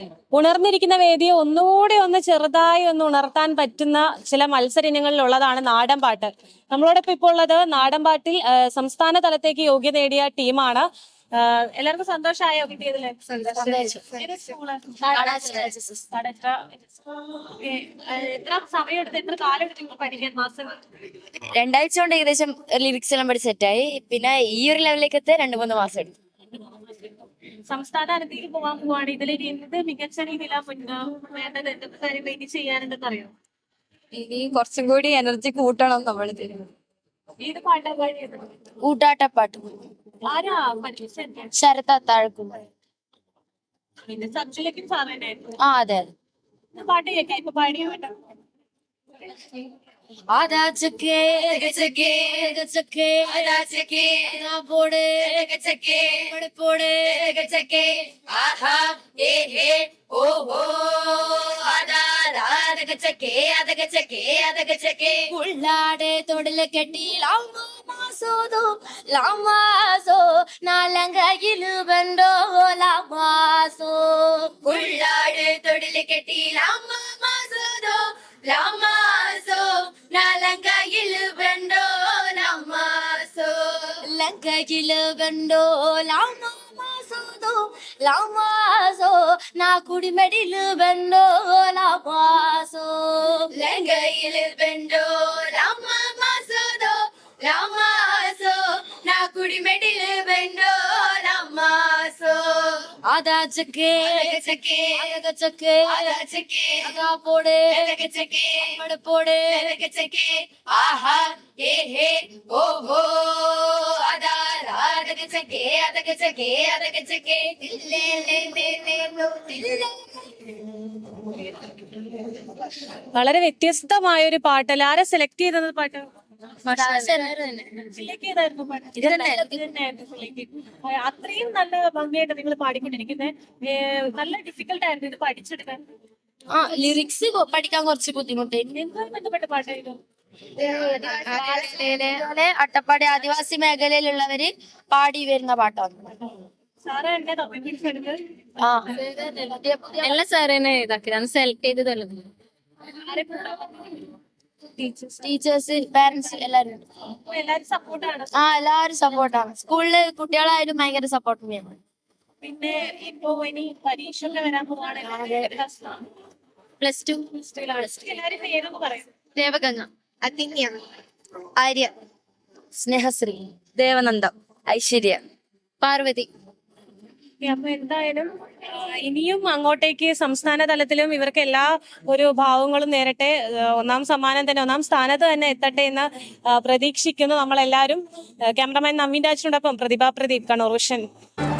ഉണർന്നിരിക്കുന്ന വേദിയെ ഒന്നുകൂടി ഒന്ന് ചെറുതായി ഒന്ന് ഉണർത്താൻ പറ്റുന്ന ചില മത്സര ഇനങ്ങളിലുള്ളതാണ് നാടൻ പാട്ട്. നമ്മളോടൊപ്പം ഇപ്പോൾ ഉള്ളത് നാടൻ പാട്ടിൽ സംസ്ഥാന തലത്തേക്ക് യോഗ്യത നേടിയ ടീമാണ്. എല്ലാവർക്കും സന്തോഷമായോ കിട്ടിയതില്? എത്ര സമയം എത്ര കാലം എടുത്ത് പഠിക്കാൻ? മാസങ്ങൾ? 2 ആഴ്ച കൊണ്ട് ഏകദേശം ലിറിക്സ് എല്ലാം പഠിച്ച് സെറ്റായി. പിന്നെ ഈ ഒരു ലെവലിലേക്ക് എത്താൻ 2-3 മാസം എടുത്തു. സംസ്ഥാന തലത്തേക്ക് പോകാൻ പോവാണ്. ഇതിലേക്ക് എന്ത് മികച്ച രീതിയിലാണ് വേണ്ടത്? എന്തൊക്കെ കാര്യം വേണ്ടി ചെയ്യാനുണ്ടെന്ന് അറിയോ? ഇനി കുറച്ചും കൂടി എനർജി കൂട്ടണം നമ്മൾ. ഏത് പാട്ടാ പാടിയത്? ഊട്ടാട്ടപ്പാട്ട്. ആരാ പഠിപ്പിച്ചത്? ശരത്ത താഴക്കും. പിന്നെ സബ്ജിലേക്കും സാധനമായിരുന്നു. അതെ അതെ. പാട്ട് കേൾക്കാം. ഇപ്പൊ പാടിയ പാട്ടാ. आधा चके गचके गचके आधा चके ना पोड़े गचके पड़ पोड़े गचके आहा ए हे ओ हो आधा रात गचके आधा गचके उल्लाडे तोड़ले कटी लामा मासोदो लामासो नालंगायिलु बंडो लामासो उल्लाडे तोड़ले कटी लामा मासोदो लामासो नालंगायिलु बंडो लामासो लंगायिलु बंडो लामासोदो लामासो ना कुड़ी मेडिलु बंडो लामासो लंगायिलु बंडो लामासोदो लामासो ना कुड़ी मेडिलु बंडो लामासो आधा चके गचके गचके आधा चके आधा पोड़े गचके पड़ पोड़े गचके आहा ए हे ओ हो आधा रात गचके आधा गचके आधा गचके ले ले ले ले लो ले. വളരെ വ്യത്യസ്തമായ ഒരു പാട്ടല്ല. ആരെ സെലക്ട് ചെയ്തത് പാട്ട്? അത്രയും നല്ല ഭംഗിയായിട്ട് നിങ്ങൾ പാടിക്കൊണ്ടിരിക്കുന്നത്. നല്ല ഡിഫിക്കൽട്ട് ആയിരുന്നു ഇത് പഠിച്ചെടുക്കാൻ. ലിറിക്സ് പഠിക്കാൻ കുറച്ച് ബുദ്ധിമുട്ടായിരുന്നു. എന്തുമായി ബന്ധപ്പെട്ട പാട്ടായിരുന്നു? അട്ടപ്പാടി ആദിവാസി മേഖലയിലുള്ളവര് പാടി വരുന്ന പാട്ടാണ്. സാറ് എന്നെ തമ്മിപ്പിടിച്ചെടുത്ത് എല്ലാ സാറിനെ ഇതാക്കി സെലക്ട് ചെയ്തതല്ലോ. ടീച്ചേഴ്സ് പാരന്റ്സ് എല്ലാരും എല്ലാരും സപ്പോർട്ടാണ്. എല്ലാവരും സപ്പോർട്ടാണ്. സ്കൂളില് കുട്ടികളായാലും ഭയങ്കര സപ്പോർട്ട് ചെയ്യണം. പിന്നെ ഇപ്പൊ ഇനി പരീക്ഷ ഒക്കെ വരാൻ പോവാണ്. +2 എല്ലാരും പേരൊന്ന് പറയും. ദേവഗംഗ, അതിന്യ, ആര്യ, സ്നേഹശ്രീ, ദേവനന്ദ, ഐശ്വര്യ, പാർവതി. അപ്പൊ എന്തായാലും ഇനിയും അങ്ങോട്ടേക്ക് സംസ്ഥാന തലത്തിലും ഇവർക്ക് എല്ലാ ഒരു ഭാവങ്ങളും നേരട്ടെ. ഒന്നാം സമ്മാനം തന്നെ, ഒന്നാം സ്ഥാനത്ത് തന്നെ എത്തട്ടെ എന്ന് പ്രതീക്ഷിക്കുന്നു നമ്മളെല്ലാവരും. ക്യാമറമാൻ നവീൻ രാജിനോടൊപ്പം പ്രതിഭ പ്രദീപ്, കണ്ണൂർ വിഷൻ.